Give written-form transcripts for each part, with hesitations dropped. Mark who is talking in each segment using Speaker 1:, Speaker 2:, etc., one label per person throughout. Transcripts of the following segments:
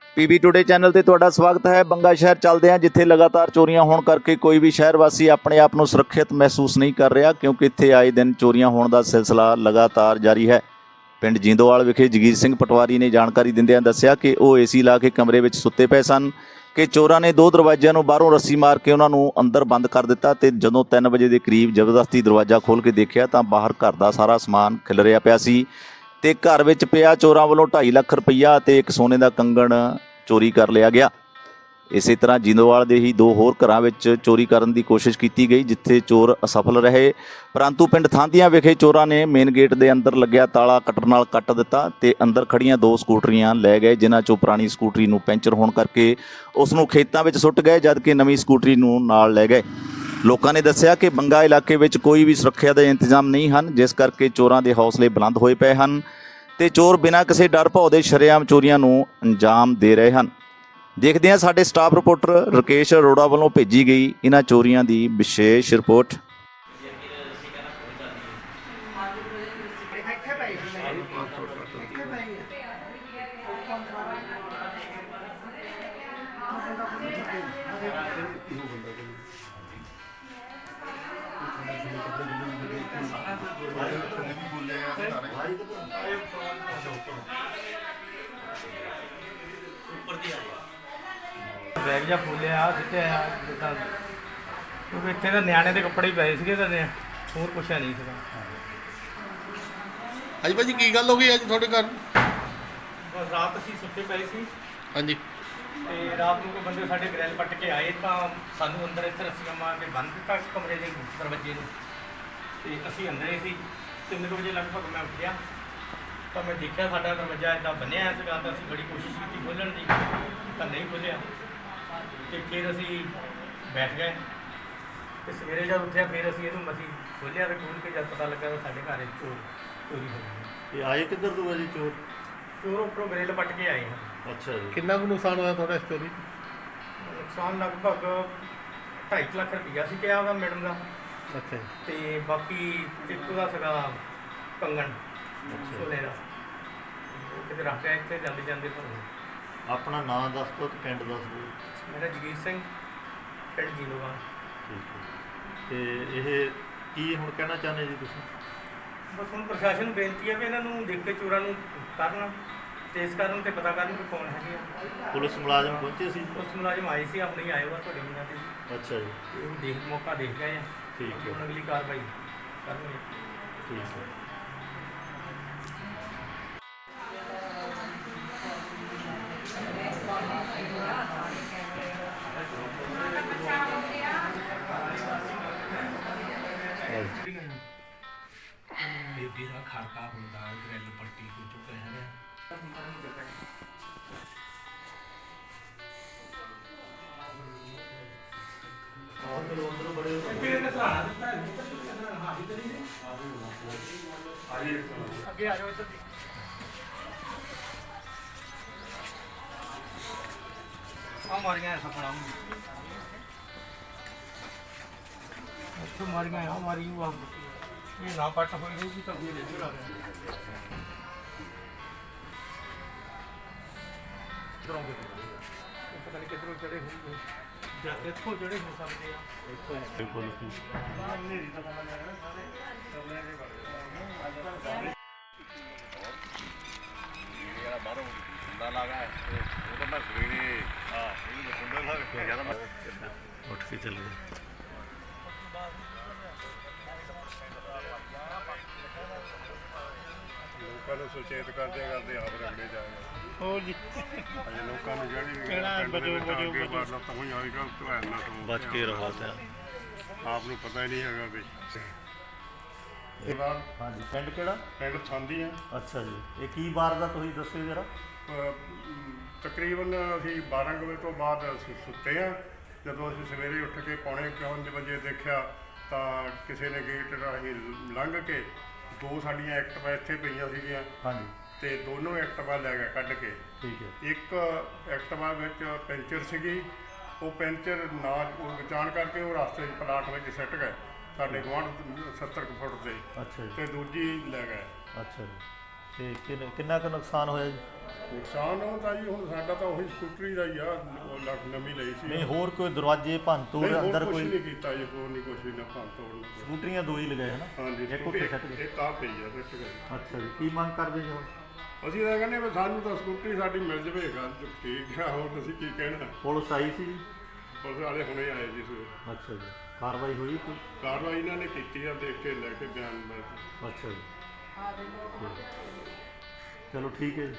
Speaker 1: PB today channel ਤੇ ਤੁਹਾਡਾ ਸਵਾਗਤ ਹੈ। ਬੰਗਾ ਸ਼ਹਿਰ ਚੱਲਦੇ ਹਾਂ, ਜਿੱਥੇ ਲਗਾਤਾਰ ਚੋਰੀਆਂ ਹੋਣ ਕਰਕੇ ਕੋਈ ਵੀ ਸ਼ਹਿਰ ਵਾਸੀ ਆਪਣੇ ਆਪ ਨੂੰ ਸੁਰੱਖਿਅਤ ਮਹਿਸੂਸ ਨਹੀਂ ਕਰ ਰਿਹਾ, ਕਿਉਂਕਿ ਇੱਥੇ ਆਏ ਦਿਨ ਚੋਰੀਆਂ ਹੋਣ ਦਾ ਸਿਲਸਿਲਾ ਲਗਾਤਾਰ ਜਾਰੀ ਹੈ। ਪਿੰਡ ਜਿੰਦੋਵਾਲ ਵਿਖੇ ਜਗੀਰ ਸਿੰਘ ਪਟਵਾਰੀ ਨੇ ਜਾਣਕਾਰੀ ਦਿੰਦਿਆਂ ਦੱਸਿਆ ਕਿ ਉਹ ਏਸੀ ਲਾ ਕੇ ਕਮਰੇ ਵਿੱਚ ਸੁੱਤੇ ਪਏ ਸਨ ਕਿ ਚੋਰਾਂ ਨੇ 2 ਦਰਵਾਜ਼ਿਆਂ ਨੂੰ ਬਾਹਰੋਂ ਰੱਸੀ ਮਾਰ ਕੇ ਉਹਨਾਂ ਨੂੰ ਅੰਦਰ ਬੰਦ ਕਰ ਦਿੱਤਾ ਤੇ ਜਦੋਂ 3 ਵਜੇ ਦੇ ਕਰੀਬ ਜ਼ਬਰਦਸਤੀ ਦਰਵਾਜ਼ਾ ਖੋਲ੍ਹ ਕੇ ਦੇਖਿਆ ਤਾਂ ਬਾਹਰ ਘਰ ਦਾ ਸਾਰਾ ਸਮਾਨ ਖਿਲਰਿਆ ਪਿਆ ਸੀ ਤੇ ਘਰ ਵਿੱਚ ਪਿਆ ਚੋਰਾਂ ਵੱਲੋਂ 2.5 ਲੱਖ ਰੁਪਈਆ ਅਤੇ ਇੱਕ ਸੋਨੇ ਦਾ ਕੰਗਣ ਚੋਰੀ ਕਰ ਲਿਆ ਗਿਆ। ਇਸੇ ਤਰ੍ਹਾਂ ਜਿੰਦੋਵਾਲ ਦੇ ਹੀ 2 ਹੋਰ ਘਰਾਂ ਵਿੱਚ ਚੋਰੀ ਕਰਨ ਦੀ ਕੋਸ਼ਿਸ਼ ਕੀਤੀ ਗਈ, ਜਿੱਥੇ ਚੋਰ ਅਸਫਲ ਰਹੇ, ਪਰੰਤੂ ਪਿੰਡ ਥਾਂਦੀਆਂ ਵਿਖੇ ਚੋਰਾਂ ਨੇ ਮੇਨ ਗੇਟ ਦੇ ਅੰਦਰ ਲੱਗਿਆ ਤਾਲਾ ਕਟਰ ਨਾਲ ਕੱਟ ਦਿੱਤਾ ਤੇ ਅੰਦਰ ਖੜੀਆਂ 2 ਸਕੂਟਰੀਆਂ ਲੈ ਗਏ, ਜਿਨ੍ਹਾਂ ਚੋਂ ਪੁਰਾਣੀ ਸਕੂਟਰੀ ਨੂੰ ਪੈਂਚਰ ਹੋਣ ਕਰਕੇ ਉਸ ਨੂੰ ਖੇਤਾਂ ਵਿੱਚ ਸੁੱਟ ਗਏ, ਜਦਕਿ ਨਵੀਂ ਸਕੂਟਰੀ ਨੂੰ ਨਾਲ ਲੈ ਗਏ। ਲੋਕਾਂ ਨੇ ਦੱਸਿਆ ਕਿ ਬੰਗਾ ਇਲਾਕੇ ਵਿੱਚ ਕੋਈ ਵੀ ਸੁਰੱਖਿਆ ਦੇ ਇੰਤਜ਼ਾਮ ਨਹੀਂ ਹਨ, ਜਿਸ ਕਰਕੇ ਚੋਰਾਂ ਦੇ ਹੌਸਲੇ ਬੁਲੰਦ ਹੋਏ ਪਏ ਹਨ ਤੇ ਚੋਰ ਬਿਨਾਂ ਕਿਸੇ ਡਰ ਭੌ ਦੇ ਸ਼ਰੇਆਮ ਚੋਰੀਆਂ ਨੂੰ ਅੰਜਾਮ ਦੇ ਰਹੇ ਹਨ। ਦੇਖਦੇ ਹਾਂ ਸਾਡੇ ਸਟਾਫ ਰਿਪੋਰਟਰ ਰਕੇਸ਼ ਅਰੋੜਾ ਵੱਲੋਂ ਭੇਜੀ ਗਈ ਇਹਨਾਂ ਚੋਰੀਆਂ ਦੀ ਵਿਸ਼ੇਸ਼ ਰਿਪੋਰਟ।
Speaker 2: बैग जा फूलिया सिटे जिदा क्योंकि इतने तो नियाने के कपड़े ही पे थे होर कुछ है नहीं सीगा।
Speaker 3: ਹਾਂਜੀ ਭਾਜੀ ਕੀ ਗੱਲ ਹੋ ਗਈ ਅੱਜ ਤੁਹਾਡੇ ਘਰ?
Speaker 2: बस रात असीं सुते पे सी
Speaker 3: ਹਾਂਜੀ
Speaker 2: ते रात को कोई बंदे साडे ग्रिल पट के आए तो सानू अंदर इत्थे रस्सियां मार के बंद दिता कमरे के दरवाजे नूं ते असीं अंदर ही सी। 3 बजे लगभग मैं उठिया तो मैं देखा साडा दरवाजा इदां बनिया है सीगा तो असीं बड़ी कोशिश की खोलण दी तो नहीं खोलिया तो फिर असीं बैठ गए तो सवेरे जब उठिया फिर असीं इहनूं मसीं खोलिया तो खोल के जब पता लगा तो साडे घर चोरी हो गई।
Speaker 1: ਇਹ ਆਏ ਕਿੱਧਰ ਤੋਂ ਜੀ ਚੋਰ?
Speaker 2: चोर उपरों ग्रिल पट के आए हैं।
Speaker 1: ਅੱਛਾ ਜੀ।
Speaker 3: ਕਿੰਨਾ ਕੁ ਨੁਕਸਾਨ ਹੋਇਆ ਤੁਹਾਡਾ ਇਸ ਚੋਰੀ 'ਚ?
Speaker 2: ਨੁਕਸਾਨ ਲਗਭਗ 2.5 ਲੱਖ ਰੁਪਈਆ ਸੀ ਕਿਹਾ ਉਹਦਾ ਮੈਡਮ ਦਾ
Speaker 3: ਅੱਛਾ ਜੀ।
Speaker 2: ਤੇ ਬਾਕੀ ਚਿੱਟੂ ਦਾ ਸੀਗਾ ਕੰਗਣ ਸੋਨੇ ਦਾ, ਉਹ ਕਿਤੇ ਰੱਖ ਕੇ ਇੱਥੇ ਜਾਂਦੇ ਜਾਂਦੇ ਪਰ
Speaker 1: ਆਪਣਾ ਨਾਂ ਦੱਸ ਦਿਓ ਤੇ ਪਿੰਡ ਦੱਸ ਦਿਓ।
Speaker 2: ਮੇਰਾ ਜਗੀਰ ਸਿੰਘ, ਪਿੰਡ ਜਿੰਦੋਵਾਲ।
Speaker 1: ਠੀਕ ਹੈ। ਤੇ ਇਹ ਕੀ ਹੁਣ ਕਹਿਣਾ ਚਾਹੁੰਦੇ ਜੀ ਤੁਸੀਂ?
Speaker 2: ਬਸ ਹੁਣ ਪ੍ਰਸ਼ਾਸਨ ਨੂੰ ਬੇਨਤੀ ਹੈ ਵੀ ਇਹਨਾਂ ਨੂੰ ਦੇਖ ਕੇ ਚੋਰਾਂ ਨੂੰ ਕਰਨ, ਟੇਸ ਕਰਨ ਤੇ ਪਤਾ ਕਰਨ ਕਿ ਕੌਣ ਹੈਗੇ ਆ।
Speaker 1: ਪੁਲਿਸ ਮੁਲਾਜ਼ਮ ਪਹੁੰਚੇ ਸੀ?
Speaker 2: ਪੁਲਿਸ ਮੁਲਾਜ਼ਮ ਆਏ ਸੀ, ਆਪਣੇ ਹੀ ਆਏ ਹੋਆ ਤੁਹਾਡੇ ਮੁੰਡਿਆਂ ਤੇ
Speaker 1: ਅੱਛਾ ਜੀ।
Speaker 2: ਤੇ ਉਹ ਦੇਖ ਮੌਕਾ ਦੇਖ ਗਏ ਆ।
Speaker 1: ਠੀਕ ਹੈ।
Speaker 2: ਹੁਣ ਅਗਲੀ ਕਾਰਵਾਈ ਕਰਨਗੇ।
Speaker 1: ਠੀਕ ਹੈ।
Speaker 2: ਬੇਬੀ ਦਾ ਖੜਕਾ ਹੁੰਦਾ ਗ੍ਰਿਲ ਪੱਟੀ ਕੋਈ ਚੁੱਕ ਰਿਹਾ ਅੱਗੇ ਆ ਜਾਓ ਇੱਧਰ ਦੀ। ਆ ਮਾਰੀਆਂ ਐਸਾ ਖੜਾ ਇੱਥੋਂ ਮਾਰੀਆਂ ਆ ਮਾਰੀ ਉਹ ਇਹ ਨਾ ਪੱਟ ਹੋਈ ਹੋਊਗੀ ਤਾਂ ਇਹ ਇੱਧਰ ਆ ਗਿਆ ਇੱਧਰੋਂ ਪਤਾ ਨਹੀਂ ਕਿੱਧਰੋਂ ਚੜੇ ਹੋਣਗੇ ਜਾਂ ਇੱਥੋਂ ਜਿਹੜੇ ਹੋ ਸਕਦੇ ਆ।
Speaker 1: ਬਿਲਕੁਲ।
Speaker 3: ਉੱਠ ਕੇ ਚੱਲ ਗਏ।
Speaker 4: ਲੋਕਾਂ ਨੂੰ ਸੁਚੇਤ ਕਰਦੇ ਆਪ ਰਗੜੇ ਜਾਏਗਾ।
Speaker 3: ਹੋਰ ਜੀ
Speaker 4: ਅਜੇ ਲੋਕਾਂ ਨੂੰ ਜਿਹੜੀ
Speaker 3: ਕਿਹੜਾ ਬਚੋ
Speaker 4: ਤਾਂ ਹੋਈ ਆਏਗਾ ਧਿਆਨ ਨਾਲ ਤੋਂ
Speaker 3: ਬਚ ਕੇ ਰਹੋ ਤੇ
Speaker 4: ਆਪ ਨੂੰ ਪਤਾ ਹੀ ਨਹੀਂ ਹੈਗਾ ਵੀ
Speaker 1: ਹਾਂਜੀ। ਪਿੰਡ ਕਿਹੜਾ?
Speaker 4: ਪਿੰਡ ਥਾਂਦੀ ਆ।
Speaker 1: ਅੱਛਾ ਜੀ। ਇਹ ਕੀ ਵਾਰਦਾਤ ਹੋਈ ਦੱਸਿਓ ਜਰਾ।
Speaker 4: ਤਕਰੀਬਨ ਅਸੀਂ 12 ਵਜੇ ਤੋਂ ਬਾਅਦ ਅਸੀਂ ਸੁੱਤੇ ਆ। ਜਦੋਂ ਅਸੀਂ ਸਵੇਰੇ ਉੱਠ ਕੇ 4:45 ਵਜੇ ਦੇਖਿਆ ਤਾਂ ਕਿਸੇ ਨੇ ਗੇਟ ਰਾਹੀਂ ਲੰਘ ਕੇ 2 ਸਾਡੀਆਂ ਐਕਟਿਵਾ ਇੱਥੇ ਪਈਆਂ ਸੀਗੀਆਂ
Speaker 1: ਹਾਂਜੀ।
Speaker 4: ਤੇ ਦੋਨੋਂ ਐਕਟਿਵਾ ਲੈ ਗਿਆ ਕੱਢ ਕੇ।
Speaker 1: ਠੀਕ ਹੈ।
Speaker 4: ਇੱਕ ਐਕਟਿਵਾ ਵਿੱਚ ਪੈਂਚਰ ਸੀਗੀ, ਉਹ ਪੈਂਚਰ ਨਾ ਜਾਣ ਕਰਕੇ ਉਹ ਰਸਤੇ 'ਚ ਪਲਾਟ ਵਿੱਚ ਸਿੱਟ ਗਏ ਸਾਡੇ ਗੁਆਂਢ 70 ਕੁ ਫੁੱਟ ਤੇ।
Speaker 1: ਅੱਛਾ ਜੀ।
Speaker 4: ਤੇ ਦੂਜੀ ਲੈ ਗਏ।
Speaker 1: ਅੱਛਾ ਜੀ।
Speaker 3: ਤੇ ਕਿੰਨਾ ਕੁ ਨੁਕਸਾਨ ਹੋਇਆ ਜੀ?
Speaker 4: ਨੁਕਸਾਨ ਉਹ ਤਾਂ ਜੀ ਹੁਣ ਸਾਡਾ ਤਾਂ ਉਹੀ ਸਕੂਟਰੀ ਦਾ ਹੀ ਆ, ਉਹ ਲੱਖ ਨਵੀਂ ਲਈ ਸੀ।
Speaker 3: ਨਹੀਂ ਹੋਰ ਕੋਈ ਦਰਵਾਜ਼ੇ ਭੰਨ ਤੋੜ
Speaker 4: ਨਹੀਂ, ਹੋਰ
Speaker 3: ਅੰਦਰ
Speaker 4: ਕੁਛ
Speaker 3: ਕੋਈ
Speaker 4: ਨਹੀਂ ਕੀਤਾ ਜੀ, ਹੋਰ ਨਹੀਂ ਕੁਛ ਵੀ ਨਾ ਭੰਨ ਤੋੜ।
Speaker 3: ਸਕੂਟਰੀਆਂ ਦੋ ਹੀ ਲਗਾਏ ਹਨਾ?
Speaker 4: ਹਾਂਜੀ,
Speaker 3: ਇੱਕ ਉੱਥੇ ਛੱਡ ਗਏ।
Speaker 4: ਇੱਕ ਆ ਪਈ ਆ ਸਿੱਟ ਗਈ।
Speaker 3: ਅੱਛਾ ਜੀ, ਕੀ ਮੰਗ ਕਰਦੇ ਜੀ ਹੁਣ?
Speaker 4: ਅਸੀਂ ਤਾਂ ਕਹਿੰਦੇ ਵੀ ਸਾਨੂੰ ਤਾਂ ਸਕੂਟਰੀ ਸਾਡੀ ਮਿਲ ਜਵੇ, ਗੱਲ ਠੀਕ ਆ, ਹੋਰ ਤੁਸੀਂ ਕੀ ਕਹਿਣਾ।
Speaker 3: ਪੁਲਿਸ ਆਈ ਸੀ ਜੀ?
Speaker 4: ਪੁਲਿਸ ਵਾਲੇ ਹੁਣੇ ਆਏ ਜੀ ਸਵੇਰੇ।
Speaker 3: ਅੱਛਾ ਜੀ, ਕਾਰਵਾਈ ਹੋਈ ਕੋਈ?
Speaker 4: ਕਾਰਵਾਈ ਇਹਨਾਂ ਨੇ ਕੀਤੀ ਆ, ਦੇਖ ਕੇ ਲੈ ਕੇ ਬਿਆਨ ਲੈ ਕੇ।
Speaker 3: ਅੱਛਾ ਜੀ, ਚਲੋ ਠੀਕ ਹੈ ਜੀ।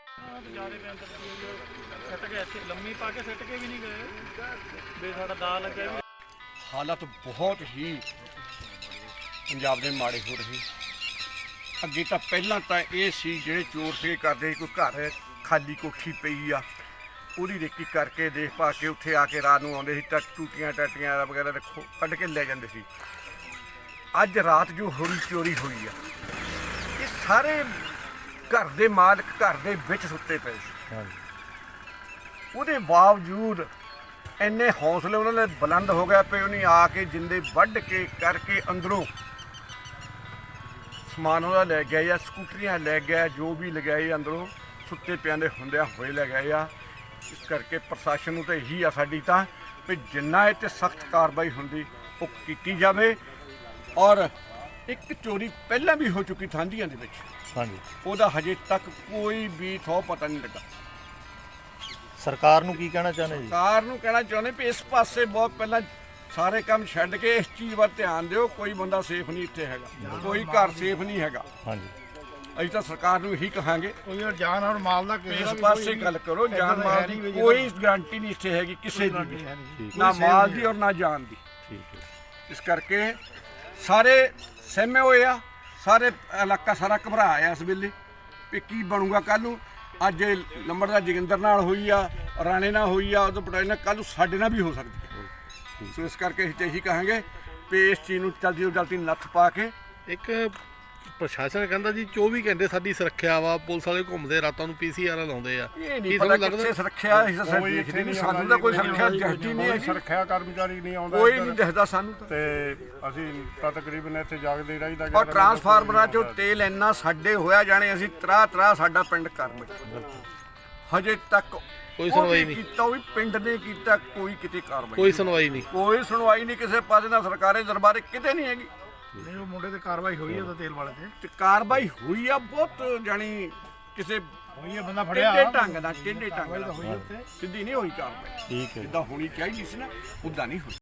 Speaker 5: ਸੱਟ ਕੇ ਇੱਥੇ ਲੰਮੀ ਪਾ ਕੇ ਸੱਟ ਕੇ ਵੀ ਨਹੀਂ ਗਏ ਵੀ ਸਾਡਾ ਦਾ ਲੱਗਿਆ ਵੀ।
Speaker 6: ਹਾਲਾਤ ਬਹੁਤ ਹੀ ਪੰਜਾਬ ਦੇ ਮਾੜੇ ਹੋ ਰਹੇ। ਅੱਗੇ ਤਾਂ ਪਹਿਲਾਂ ਤਾਂ ਇਹ ਸੀ ਜਿਹੜੇ ਚੋਰ ਸੇ ਕਰਦੇ ਕੋਈ ਘਰ ਖਾਲੀ ਕੋਠੀ ਪਈ ਆ ਉਹਦੀ ਰੇਕੀ ਕਰਕੇ ਦੇਖ ਪਾ ਕੇ ਉੱਥੇ ਆ ਕੇ ਰਾਤ ਨੂੰ ਆਉਂਦੇ ਸੀ ਤਾਂ ਟੂਟੀਆਂ ਟਾਟੀਆਂ ਵਗੈਰਾ ਰੱਖੋ ਕੱਢ ਕੇ ਲੈ ਜਾਂਦੇ ਸੀ। ਅੱਜ ਰਾਤ ਜੋ ਹੋਈ ਚੋਰੀ ਹੋਈ ਆ, ਇਹ ਸਾਰੇ ਘਰ ਦੇ ਮਾਲਕ ਘਰ ਦੇ ਵਿੱਚ ਸੁੱਤੇ ਪਏ ਸੀ। ਉਹਦੇ ਬਾਵਜੂਦ ਇੰਨੇ ਹੌਸਲੇ ਉਹਨਾਂ ਦੇ ਬੁਲੰਦ ਹੋ ਗਿਆ ਪਏ, ਉਹਨੇ ਆ ਕੇ ਜਿੰਦੇ ਵੱਢ ਕੇ ਕਰਕੇ ਅੰਦਰੋਂ ਸਮਾਨ ਉਹਦਾ ਲੈ ਗਿਆ ਜਾਂ ਸਕੂਟਰੀਆਂ ਲੈ ਗਿਆ, ਜੋ ਵੀ ਲਗਾਏ ਅੰਦਰੋਂ ਸੁੱਤੇ ਪਿਆਂ ਦੇ ਹੁੰਦਿਆਂ ਹੋਏ ਲੈ ਗਏ ਆ। ਇਸ ਕਰਕੇ ਪ੍ਰਸ਼ਾਸਨ ਨੂੰ ਤਾਂ ਇਹੀ ਆ ਸਾਡੀ ਤਾਂ ਵੀ ਜਿੰਨਾ ਇਹ 'ਤੇ ਸਖਤ ਕਾਰਵਾਈ ਹੁੰਦੀ ਉਹ ਕੀਤੀ ਜਾਵੇ। ਔਰ ਇੱਕ ਚੋਰੀ ਪਹਿਲਾਂ ਵੀ ਹੋ ਚੁੱਕੀ ਥਾਂਦੀਆਂ ਦੇ ਵਿੱਚ,
Speaker 3: ਹਾਂਜੀ,
Speaker 6: ਉਹਦਾ ਹਜੇ ਤੱਕ ਕੋਈ ਵੀ ਥੋ ਪਤਾ ਨਹੀਂ ਲੱਗਾ।
Speaker 3: ਸਰਕਾਰ ਨੂੰ ਕੀ ਕਹਿਣਾ ਚਾਹੁੰਦੇ ਜੀ?
Speaker 6: ਸਰਕਾਰ ਨੂੰ ਕਹਿਣਾ ਚਾਹੁੰਦੇ ਵੀ ਇਸ ਪਾਸੇ ਬਹੁਤ ਪਹਿਲਾਂ ਸਾਰੇ ਕੰਮ ਛੱਡ ਕੇ ਇਸ ਚੀਜ਼ ਵੱਲ ਧਿਆਨ ਦਿਓ। ਕੋਈ ਬੰਦਾ ਸੇਫ ਨਹੀਂ ਇੱਥੇ ਹੈਗਾ, ਕੋਈ ਘਰ ਸੇਫ ਨਹੀਂ ਹੈਗਾ।
Speaker 3: ਹਾਂਜੀ,
Speaker 6: ਅਸੀਂ ਤਾਂ ਸਰਕਾਰ ਨੂੰ ਇਹੀ ਕਹਾਂਗੇ
Speaker 5: ਕੋਈ ਜਾਨ ਔਰ ਮਾਲ ਦਾ
Speaker 6: ਵੀ ਇਸ ਪਾਸੇ ਗੱਲ ਕਰੋ। ਜਾਨ ਮਾਲ ਦੀ ਕੋਈ ਗਾਰੰਟੀ ਨਹੀਂ ਇੱਥੇ ਹੈਗੀ ਕਿਸੇ ਦੀ ਵੀ,
Speaker 3: ਠੀਕ
Speaker 6: ਨਾ ਮਾਲ ਦੀ ਔਰ ਨਾ ਜਾਨ ਦੀ।
Speaker 3: ਠੀਕ ਹੈ।
Speaker 6: ਇਸ ਕਰਕੇ ਸਾਰੇ ਸਹਿਮੇ ਹੋਏ ਆ, ਸਾਰੇ ਇਲਾਕਾ ਸਾਰਾ ਘਬਰਾਇਆ ਇਸ ਵੇਲੇ ਵੀ ਕੀ ਬਣੂਗਾ ਕੱਲ੍ਹ ਨੂੰ। ਅੱਜ ਇਹ ਲੰਬੜਦਾਰ ਜੋਗਿੰਦਰ ਨਾਲ ਹੋਈ ਆ, ਰਾਣੇ ਨਾਲ ਹੋਈ ਆ, ਉਦੋਂ ਪਟਾਈ ਨਾਲ, ਕੱਲ੍ਹ ਨੂੰ ਸਾਡੇ ਨਾਲ ਵੀ ਹੋ ਸਕਦੀ ਹੈ। ਸੋ ਇਸ ਕਰਕੇ ਅਸੀਂ ਤਾਂ ਇਹੀ ਕਹਾਂਗੇ ਵੀ ਇਸ ਚੀਜ਼ ਨੂੰ ਜਲਦੀ ਤੋਂ ਜਲਦੀ ਨੱਥ ਪਾ ਕੇ।
Speaker 3: ਇੱਕ ਪ੍ਰਸ਼ਾਸਨ ਕਹਿੰਦਾ ਜੀ 24 ਘੰਟੇ ਸਾਡੀ ਸੁਰੱਖਿਆ ਵਾ, ਪੁਲਿਸ ਵਾਲੇ ਘੁੰਮਦੇ ਰਾਤਾਂ ਨੂੰ PCR ਲਾਉਂਦੇ ਆ।
Speaker 6: ਇਹ ਨਹੀਂ ਪਤਾ ਕਿੱਥੇ ਸੁਰੱਖਿਆ, ਅਸੀਂ ਤਾਂ ਦੇਖਦੇ ਨਹੀਂ, ਸਾਨੂੰ ਤਾਂ ਕੋਈ ਸੁਰੱਖਿਆ ਦਿਖਦੀ ਨਹੀਂ ਹੈਗੀ,
Speaker 4: ਸੁਰੱਖਿਆ ਕਰਮਚਾਰੀ ਨਹੀਂ ਆਉਂਦਾ
Speaker 6: ਕੋਈ
Speaker 4: ਇੱਧਰ।
Speaker 6: ਨਹੀਂ ਦਿਖਦਾ ਸਾਨੂੰ ਤਾਂ।
Speaker 4: ਤੇ ਅਸੀਂ ਤਾਂ ਤਕਰੀਬਨ ਇੱਥੇ ਜਾਗਦੇ ਹੀ ਰਹੀਦਾ।
Speaker 6: ਔਰ ਟਰਾਂਸਫਾਰਮਰਾਂ 'ਚੋਂ ਤੇਲ ਇੰਨਾ ਸਾਡੇ ਹੋਇਆ ਜਾਣੇ ਅਸੀਂ ਤਰਾ ਸਾਡਾ ਪਿੰਡ ਕਰਮ ਹਜੇ ਤੱਕ
Speaker 3: ਕੋਈ ਸੁਣਵਾਈ ਨਹੀਂ
Speaker 6: ਕੀਤਾ, ਉਹ ਵੀ ਪਿੰਡ ਨੇ ਕੀਤਾ, ਕੋਈ ਕਿਤੇ ਕਾਰਵਾਈ
Speaker 3: ਕੋਈ ਸੁਣਵਾਈ ਨਹੀਂ।
Speaker 6: ਕੋਈ ਸੁਣਵਾਈ ਨਹੀਂ ਕਿਸੇ ਪਾਸੇ ਦਾ, ਸਰਕਾਰੀ ਦਰਬਾਰੇ ਕਿਤੇ ਨਹੀਂ ਹੈਗੀ।
Speaker 5: ਨਹੀਂ ਉਹ ਮੁੰਡੇ ਤੇ ਕਾਰਵਾਈ ਹੋਈ ਹੈ ਤਾਂ ਤੇਲ ਵਾਲੇ ਤੇ
Speaker 6: ਤੇ ਕਾਰਵਾਈ ਹੋਈ ਆ ਬਹੁਤ, ਜਾਣੀ ਕਿਸੇ
Speaker 5: ਹੋਈ ਹੈ, ਬੰਦਾ ਫੜਿਆ
Speaker 6: ਟੇਢੇ ਢੰਗ ਨਾਲ, ਟੇਢੇ ਢੰਗ ਨਾਲ
Speaker 5: ਹੋਈ ਉੱਥੇ।
Speaker 6: ਸਿੱਧੀ ਨਹੀਂ ਹੋਈ ਕਾਰਵਾਈ।
Speaker 3: ਠੀਕ ਹੈ।
Speaker 6: ਜਿੱਦਾਂ ਹੋਣੀ ਚਾਹੀਦੀ ਸੀ ਨਾ, ਉੱਦਾਂ ਨਹੀਂ ਹੋਈ।